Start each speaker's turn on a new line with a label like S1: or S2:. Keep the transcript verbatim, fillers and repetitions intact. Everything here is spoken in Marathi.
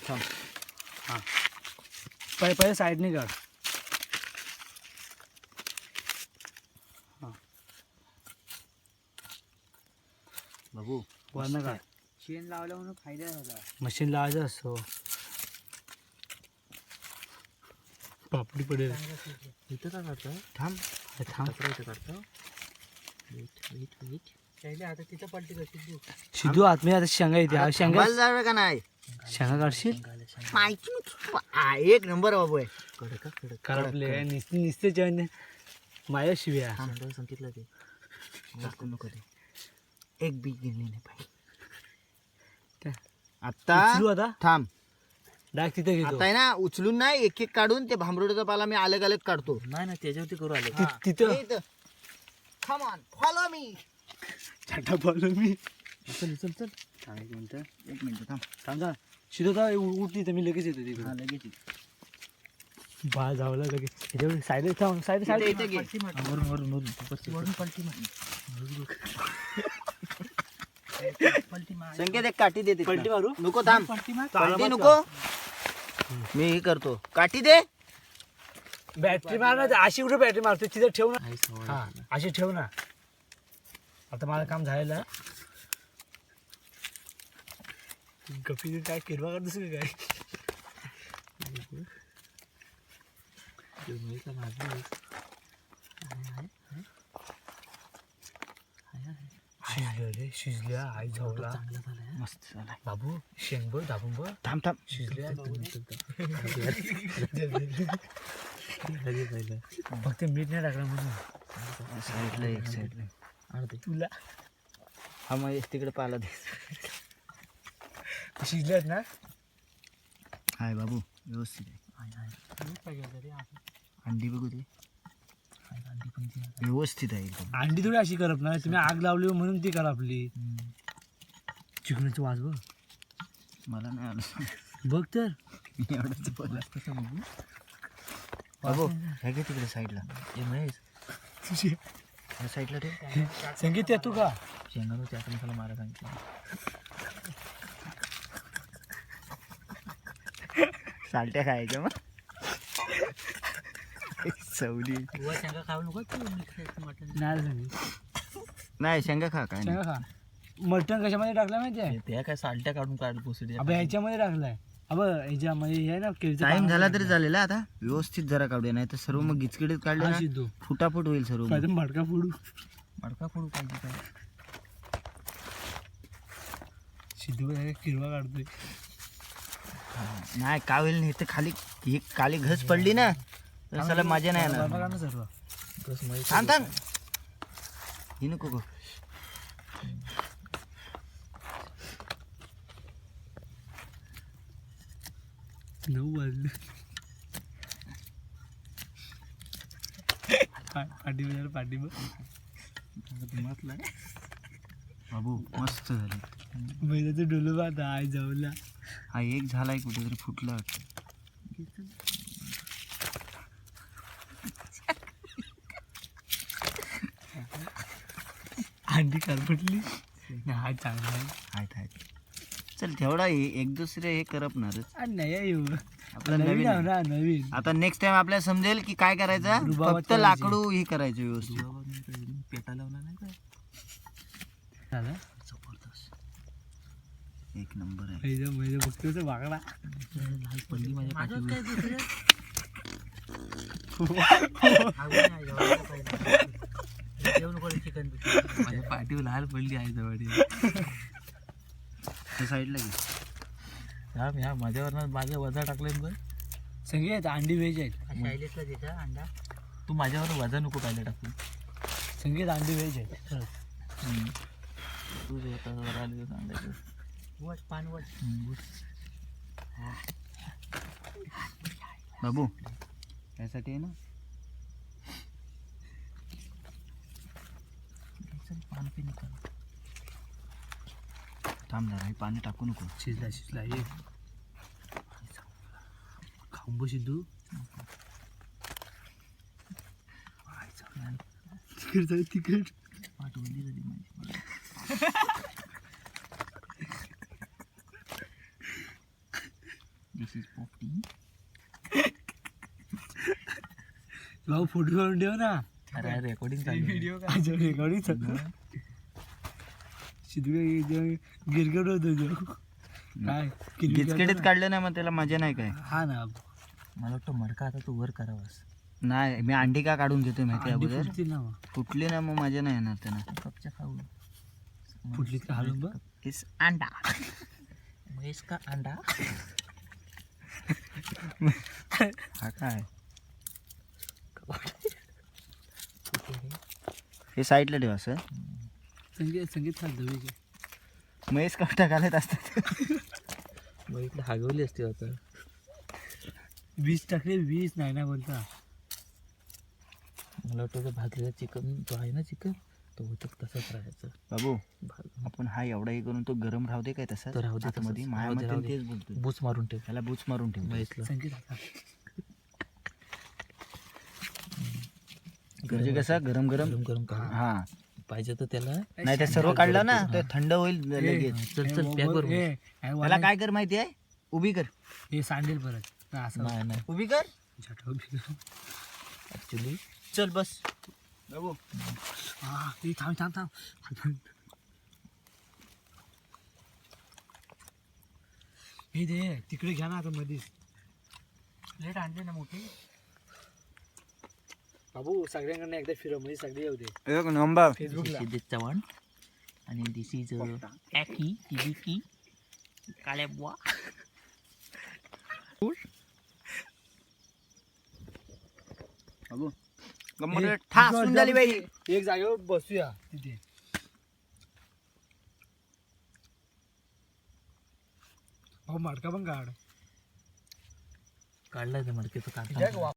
S1: थांब.
S2: हां पहिले पहिले साईडने काढ. हां
S1: बाबू
S2: वरनं काढ.
S3: शेण लावलं म्हणून फायदा झाला.
S2: मशीन लावायचं असतो. पापडी पडेल.
S1: इथं का काढतो? थांब
S2: थांब
S1: इथं काढतो. Wait wait wait.
S3: पहिले आता तिथं पलटी कशी देऊ.
S2: शिदू आतमध्ये आता शेंगा येते. हा शेंगा
S1: जावे का नाही?
S2: शेंगा काढशील.
S1: माहिती नाही. एक नंबर बाबू आहे. कडक कडक
S2: करपले निसते निसते जेवण माझ्या शिव्या.
S1: सांगितलं ते नको नको ते. एक बी गिरली नाही पाहिजे. आता
S2: उचलू आता
S1: थांब.
S2: डायरेक्ट तिथे घेतो.
S1: आता आहे ना उचलून नाही एक एक काढून ते भांबरोडचा पाला मी अलग अलग काढतो.
S3: नाही ना त्याच्यावरती करू आले.
S2: ति- तिथं
S1: कम ऑन फॉलो मी.
S2: छाटा बोललो मी.
S1: चल चल चल.
S2: थांब एक मिनिट
S1: एक मिनिट थांब.
S2: थांब थांब. शिदू तर उठली तर मी लगेच येतो तिकडे.
S1: हा लगेच ये.
S2: बाळ जावला लगेच. त्याच्यावर साईड थांब साईड
S1: इथे-
S2: साईड
S1: इथे घे.
S3: वरून वरून वरून वरून पलटी मार. पलटी मार.
S1: संकेत एक काठी दे. तिथनं.
S2: पलटी मारू.
S1: नको थांब.
S3: पलटी मार.
S1: पलटी नको. मी हे करतो. काठी दे.
S2: बॅटरी मार ना. अशी कुठे बॅटरी मारतो तिथे ठेव ना. हा अशी ठेव ना. आता माझं काम झालेलं. गप्पी काय किरवा करतोस का काय. शिजलं रे शिजल्या. आई झावला.
S1: मस्त झाला.
S2: बाबू शेंग बघ दाबून बघ.
S1: थांब थांब.
S2: शिजल्या फक्त मीठ नाही टाकलं म्हणून.
S1: साईडला एक साईडला
S2: तुला
S1: हा मग तिकडे पाला दे.
S2: शिजल्यात ना.
S1: हाय बाबू व्यवस्थित आहे. अंडी बघू दे. व्यवस्थित आहे एकदम.
S2: अंडी थोडी अशी करप ना. तुम्ही आग लावली म्हणून ती करा आपली. चिकनाची वास बघ.
S1: मला नाही आलं.
S2: बघ तर
S1: एवढंच बोला. कसं बघू बाबू हे घे तिकडे साईडला. हे महेश
S2: तुझी
S1: या साईडला ठेव.
S2: संगीत येतो का.
S1: शेंगानं त्याचा मसाला मारा सांगितलं. सालट्या खायच्या मग सवली.
S3: वर शेंगा खाऊ नको तू. मटण
S2: नाही संगीत
S1: नाही शेंगा खा काय
S2: शेंगा खा. मटण कशामध्ये टाकलं माहिती आहे.
S3: त्या काय सालट्या काढून काढ पोसडी.
S2: अबे ह्याच्यामध्ये टाकलाय. अब ह्याच्यामध्ये हे आहे ना केळीचं
S1: टाइम
S2: पान
S1: झाला
S2: टाकलंय.
S1: तरी चालेल. आता व्यवस्थित जरा काढूया नाही तर सर्व मग गिचकिडीत काढले
S2: हा
S1: ना
S2: शिजू.
S1: फुटाफुट होईल सर्व मग.
S2: पाहिजे मडका फोडू.
S3: मडका फोडू पाहिजे काय.
S2: शिजू किरवा काढतोय.
S1: नाही का होईल नाही तर खाली ही खाली घस पडली ना तर साला मजा नाही
S2: बरं
S1: येणार.
S2: ना सर्व.
S1: थांब थांब. ही नको गो.
S2: नऊ वाजले. पाठी बघ पाठी बघ.
S1: बाबू मस्त झाली.
S2: बैलाचं डोलं पाहता आई जाऊला.
S1: हा एक झालाय कुठेतरी फुटला वाटतं.
S2: अंडी करपटली. हा चांगला आहे.
S1: आहेत आहेत. चल तेवढा हे- एक दुसरे हे करपणारच.
S2: आणि नाही येऊ
S1: आपलं
S2: नवीन
S1: नवीन
S2: आहे
S1: आहे.
S2: ना नवीन.
S1: आता नेक्स्ट टाइम आपल्याला समजेल की काय करायचं.
S2: रुबाबात
S1: फक्त
S2: करायची.
S1: लाकडू ही करायचं व्यवस्थित.
S3: पेटा लावला नाही काय.
S2: झालं
S1: जबरदस्त एक नंबर आहे.
S2: पहिलं पहिलं बघतो तर वागडा.
S3: लाल पडली माझ्या पाठीवर. चिकन माझ्या पाठीवर लाल पडली आहे जवळ.
S1: साईडला घे.
S3: हा ह्या माझ्यावर माझ्या वजा टाकलं बघ.
S2: संगीत अंडी व्हेज आहेत.
S3: शैलेशला देता अंडा. तू माझ्यावर वजा नको पाहिलं टाकून.
S2: संगीत अंडी व्हेज आहेत.
S3: तू स्वतः आले सांगायचं. वट पान वट.
S1: बाबू यासाठी आहे ना
S3: पान पिन कर.
S1: थांब जरा हे पाणी टाकू नको.
S2: शिजला शिजला ये खाऊन बघ सिद्धू. तिकड जाऊ तिकड.
S3: पाठवली झाली माझी. दिस इज पोपटी.
S2: भाऊ फोटो करून ठेव ना.
S3: अरे रेकॉर्डिंग चालू व्हिडिओ
S2: रेकॉर्डिंग गिरगट होतो जो. काय
S1: गिचकेडीत काढलं नाही मग त्याला मजा नाही काय.
S2: हा ना.
S3: मला वाटतं मडका आता तू वर करावास.
S1: नाही मी अंडी का काढून घेतोय माहिती
S2: अंडी
S1: अगोदर
S2: फुटतील ना मग.
S1: फुटली ना मग मजा नाही येणार त्यांना.
S3: कपच्या खाऊ
S2: फुटलीत का हालून बघ.
S3: इस अंडा महेश का अंडा.
S1: हा काय हे साईडला ठेवा सर.
S2: संगीत संगीत खाल
S1: महेश कपटा घालत असतात.
S3: मग इकडे हागवली असते आता.
S2: वीस टाकले वीस नाही ना बोलता.
S3: मला वाटतं भाजलेला चिकन जो आहे ना चिकन तो होतं तसंच राहायचं.
S1: बाबू आपण हा एवढा हे करून तो गरम राहू दे काय तसा
S3: तर राहू दे तसंच.
S1: मध्ये
S3: राहू दे,
S1: मायामध्ये
S3: राहू दे.
S1: तेच बोलतोय.
S3: बूच मारून ठेव
S1: त्याला बूच मारून ठेव.
S3: महेशला.
S2: संगीत आता
S1: म्हणजे कसं गरम गरम
S3: गरम गरम करून.
S1: हा
S3: पाहिजे तर त्याला
S1: नाही ते सर्व काढलं ना ते थंड होईल लगेच.
S3: चल चल पॅक करू.
S1: त्याला काय कर माहिती आहे उभी कर.
S2: हे सांडेल परत. हा, असं
S3: नाही नाही
S1: उभी कर
S2: झटक उभी कर.
S3: ऍक्च्युली
S1: चल बस बाबू.
S2: हा हे थांब थांब थांब. हे दे तिकडे घ्या ना आता मध्येच. प्लेट आणले ना मोठी. बाबू सगळ्यांकडनं एकदा फिरव म्हणजे सगळे येऊ दे.
S1: एक नंबर.
S2: फेसबुकला
S3: सिद्धेश चव्हाण आणि दिस इज ॲकी टिबिकी काळ्या बुवा.
S1: बाबू गंमत ठासून झाली बाई.
S2: एक जागेवर बसूया तिथे. भाऊ मडका पण काढ.
S3: काढला ते मडके तो काढला.